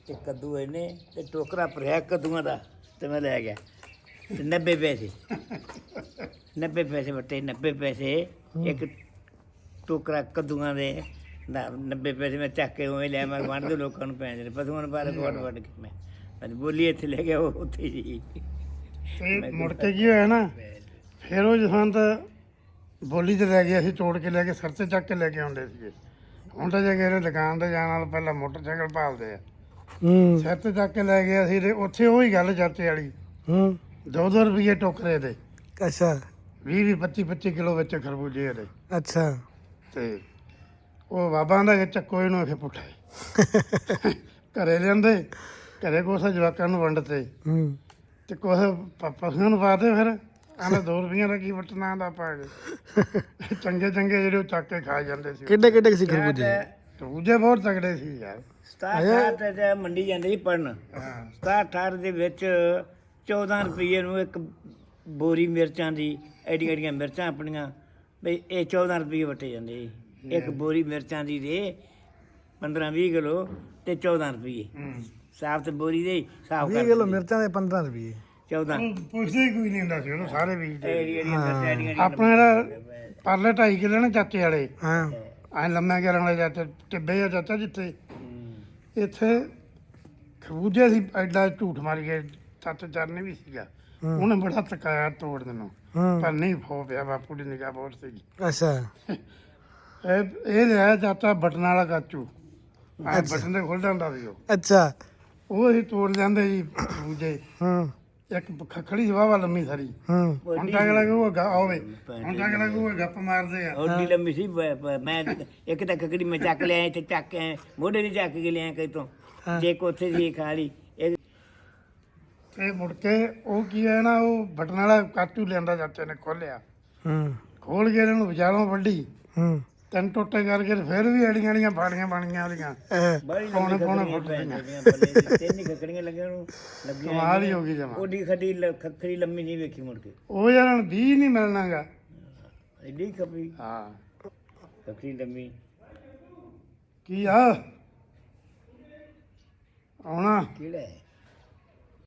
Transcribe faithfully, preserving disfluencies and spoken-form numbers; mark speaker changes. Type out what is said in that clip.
Speaker 1: ਤੇ ਕੱਦੂ ਇਹਨੇ ਤੇ ਟੋਕਰਾ ਭਰਿਆ ਕੱਦੂਆਂ ਦਾ ਤੇ ਮੈਂ ਲੈ ਗਿਆ ਤੇ ਨੱਬੇ ਪੈਸੇ ਨੱਬੇ ਪੈਸੇ ਵਟੇ ਨੱਬੇ ਪੈਸੇ ਇੱਕ ਟੋਕਰਾ ਕੱਦੂਆਂ ਦੇ ਨਾ ਨੱਬੇ ਪੈਸੇ ਮੈਂ ਚੱਕ ਕੇ ਉਵੇਂ ਲਿਆ ਮੈਂ ਵੰਡ ਦੇ ਲੋਕਾਂ ਨੂੰ ਪੈਂਦੇ ਨੇ ਪਸ਼ੂਆਂ ਨੂੰ ਬਾਰੇ ਵੱਢ ਵੱਢ ਕੇ ਮੈਂ ਮੈਂ ਬੋਲੀ ਇੱਥੇ ਲੈ ਗਿਆ ਉਹ ਉੱਥੇ ਜੀ
Speaker 2: ਤੇ ਮੁੜ ਕੇ ਕੀ ਹੋਇਆ ਨਾ ਫਿਰ ਉਹ ਜਸਵੰਤ ਬੋਲੀ ਤੇ ਲੈ ਗਿਆ ਅਸੀਂ ਤੋੜ ਕੇ ਲੈ ਕੇ ਸਿਰ ਤੇ ਚੱਕ ਕੇ ਲੈ ਕੇ ਆਉਂਦੇ ਸੀਗੇ। ਹੁਣ ਤਾਂ ਜੇ ਕਿਸੇ ਦੁਕਾਨ ਤੇ ਜਾਣ ਨਾਲ ਪਹਿਲਾਂ ਮੋਟਰਸਾਈਕਲ ਭਾਲਦੇ ਆ
Speaker 3: ਹੂੰ
Speaker 2: ਸਿਰ ਤੇ ਚੱਕ ਕੇ ਲੈ ਗਿਆ ਸੀ ਤੇ ਉੱਥੇ ਉਹੀ ਗੱਲ ਚਾਚੇ ਵਾਲੀ
Speaker 3: ਹੂੰ
Speaker 2: ਦੋ ਦੋ ਰੁਪਏ ਟੋਕਰੇ ਦੇ
Speaker 3: ਅੱਛਾ
Speaker 2: ਵੀਹ ਵੀਹ ਪੱਚੀ ਪੱਚੀ ਕਿਲੋ ਵਿੱਚ ਖਰਬੂਜੇ ਦੇ
Speaker 3: ਅੱਛਾ
Speaker 2: ਤੇ ਉਹ ਬਾਬਾ ਦਾ ਚੱਕੋ ਇਹਨੂੰ ਅਖੇ ਪੁੱਠੇ ਘਰੇ ਲਿਆਂਦੇ ਘਰੇ ਕੁਛ ਜਵਾਕਾਂ ਨੂੰ ਵੰਡਤੇ
Speaker 3: ਹੂੰ
Speaker 2: ਤੇ ਕੁਛ ਪ- ਪਸ਼ੂਆਂ ਨੂੰ ਪਾਤੇ ਫਿਰ ਆਂਦਾ ਦੋ ਰੁਪਈਆਂ ਦਾ ਕੀ ਵਟਣਾ ਦਾ ਪਾ ਕੇ ਚੰਗੇ ਚੰਗੇ ਜਿਹੜੇ ਉਹ ਚੱਕ ਕੇ ਖਾ ਜਾਂਦੇ ਸੀ
Speaker 3: ਕਿੱਡੇ ਕਿੱਡੇ ਸੀ ਖਰਬੂਜੇ
Speaker 2: ਖਰਬੂਜੇ ਬਹੁਤ ਤਗੜੇ ਸੀ ਯਾਰ।
Speaker 1: ਸਤਾਹਠ ਅਠਾਹਠ ਤੇ ਮੰਡੀ ਜਾਂਦੇ ਸੀ ਪੜਨ
Speaker 2: ਹਾਂ
Speaker 1: ਸਤਾਹਠ ਅਠਾਹਠ ਦੇ ਵਿੱਚ ਚੌਦਾਂ ਰੁਪਏ ਨੂੰ ਇੱਕ ਬੋਰੀ ਮਿਰਚਾਂ ਦੀ ਐਡੀਆਂ ਐਡੀਆਂ ਮਿਰਚਾਂ ਆਪਣੀਆਂ ਬਈ ਇਹ ਚੌਦਾਂ ਰੁਪਏ ਵਟੇ ਜਾਂਦੇ ਸੀ ਇੱਕ ਬੋਰੀ ਮਿਰਚਾਂ ਦੀ ਦੇ ਪੰਦਰਾਂ ਵੀਹ ਕਿਲੋ ਤੇ ਚੌਦਾਂ ਰੁਪਏ
Speaker 2: ਹੂੰ
Speaker 1: ਸਾਫ ਤੇ ਬੋਰੀ ਦੇ ਸਾਫ
Speaker 3: ਵੀਹ ਕਿਲੋ ਮਿਰਚਾਂ ਦੇ ਪੰਦਰਾਂ ਰੁਪਏ
Speaker 1: ਚੌਦਾਂ
Speaker 2: ਉਹ ਪੁੱਛਦੇ ਹੀ ਕੋਈ ਨਹੀਂ ਹੁੰਦਾ ਸੀ ਉਹਨੂੰ ਸਾਰੇ ਬੀਜਦੇ
Speaker 1: ਐਡੀ ਐਡੀਆਂ ਮਿਰਚਾਂ ਐਡੀਆਂ ਐਡੀਆਂ
Speaker 2: ਆਪਣੇ ਜਿਹੜਾ ਪਰਲੇ ਢਾਈ ਕਿੱਲੇ ਨਾ ਚਾਚੇ ਵਾਲੇ
Speaker 3: ਹਾਂ
Speaker 2: ਐ ਲੰਮੇ ਕਰਨ ਵਾਲੇ ਚਾਚੇ ਟਿੱਬੇ ਆ ਚਾਚਾ ਜਿੱਥੇ
Speaker 1: ਹੂੰ।
Speaker 2: ਇੱਥੇ ਖਰਬੂਜੇ ਸੀ ਐਡਾ ਝੂਠ ਮਾਰ ਕੇ ਸੱਤ ਚਰਨੇ ਵੀ ਸੀਗਾ ਉਹਨੇ ਬੜਾ ਤਕਾਇਆ ਤੋੜਨ ਨੂੰ
Speaker 3: ਹੂੰ
Speaker 2: ਪਰ ਨਹੀਂ ਫੋ ਪਿਆ ਬਾਪੂ ਦੀ ਨਿਗਾਹ ਬਹੁਤ ਸੀਗੀ
Speaker 3: ਅੱਛਾ
Speaker 2: ਇਹ ਇਹ ਲਿਆ ਚਾਚਾ ਬਟਨ ਵਾਲਾ ਕਾਚੂ ਆ ਬਟਨ ਤੇ ਖੁੱਲ ਜਾਂਦਾ ਸੀ ਉਹ
Speaker 3: ਅੱਛਾ
Speaker 2: ਉਹ ਅਸੀਂ ਤੋੜ ਜਾਂਦੇ ਜੀ ਖਰਬੂਜੇ
Speaker 3: ਹੂੰ
Speaker 2: ਇੱਕ ਖਖੜੀ ਸੀ ਵਾਵਾ ਲੰਮੀ ਸਾਰੀ
Speaker 3: ਹੂੰ
Speaker 2: ਹੁਣ ਤਾਂ ਅਗਲਾ ਕਹੂਗਾ ਗਾ ਹੋਵੇ ਹੁਣ ਤਾਂ ਅਗਲਾ ਕਹੂਗਾ ਗੱਪ ਮਾਰਦੇ ਆ
Speaker 1: ਓਡੀ ਲੰਮੀ ਸੀ ਬ- ਬ- ਮੈਂ ਇੱਕ ਤਾਂ ਕਕੜੀ ਮੈਂ ਚੱਕ ਲਿਆ ਤੇ ਚੱਕ ਕੇ ਆਏ, ਮੋਢੇ ਨਹੀਂ ਚੱਕ ਕੇ ਲਿਆ ਕਈ ਤੋਂ ਜੇ ਕੋਥੇ ਸੀ ਖਾ ਲਈ ਇਹ
Speaker 2: ਤੇ ਮੁੜ ਕੇ ਉਹ ਕੀ ਹੈ ਨਾ ਉਹ ਬਟਨ ਵਾਲਾ ਕਾਚੂ ਲਿਆਂਦਾ ਚਾਚੇ ਨੇ ਖੋਲਿਆ
Speaker 3: ਹੂੰ
Speaker 2: ਖੋਲ ਕੇ ਇਹਨਾਂ ਨੂੰ ਵਿਚਾਲੋਂ ਵੱਢੀ
Speaker 3: ਹੂੰ
Speaker 2: ਤਿੰਨ ਟੋਟੇ ਕਰਕੇ ਤੇ ਫਿਰ ਵੀ ਅੜੀਆਂ ਅੜੀਆਂ ਫਾੜੀਆਂ ਬਣੀਆਂ ਉਹਦੀਆਂ
Speaker 3: ਇਹ
Speaker 1: ਬੜੀ
Speaker 2: ਪੌਣੇ
Speaker 1: ਲੰਮੀ
Speaker 2: ਪੌਣੇ
Speaker 1: ਖੱਖੜੀਆਂ
Speaker 2: ਫੁੱਟ
Speaker 1: ਪੈ
Speaker 2: ਦੀਆਂ।
Speaker 1: ਜਾਂਦੀਆਂ ਬੱਲੇ ਦੀ। ਤਿੰਨ ਹੀ ਖੱਖੜੀਆਂ ਲੱਗੀਆਂ ਨੂੰ ਲੱਗੀਆਂ
Speaker 2: ਕਮਾਲ ਹੀ ਹੋ ਗਈ ਜਮਾ
Speaker 1: ਓਡੀ ਖੱਡੀ ਲ- ਖੱਖੜੀ ਲੰਮੀ ਨਹੀਂ ਵੇਖੀ ਮੁੜ ਕੇ
Speaker 2: ਉਹ ਯਾਰ ਹੁਣ ਵੀਹ ਨਹੀਂ ਮਿਲਣਾਗਾ
Speaker 1: ਐਡੀ ਖੱਪੀ
Speaker 2: ਹਾਂ
Speaker 1: ਖੱਖੜੀ ਲੰਮੀ
Speaker 2: ਕੀ ਆ ਆਉਣਾ
Speaker 1: ਕਿਹੜਾ ਹੈ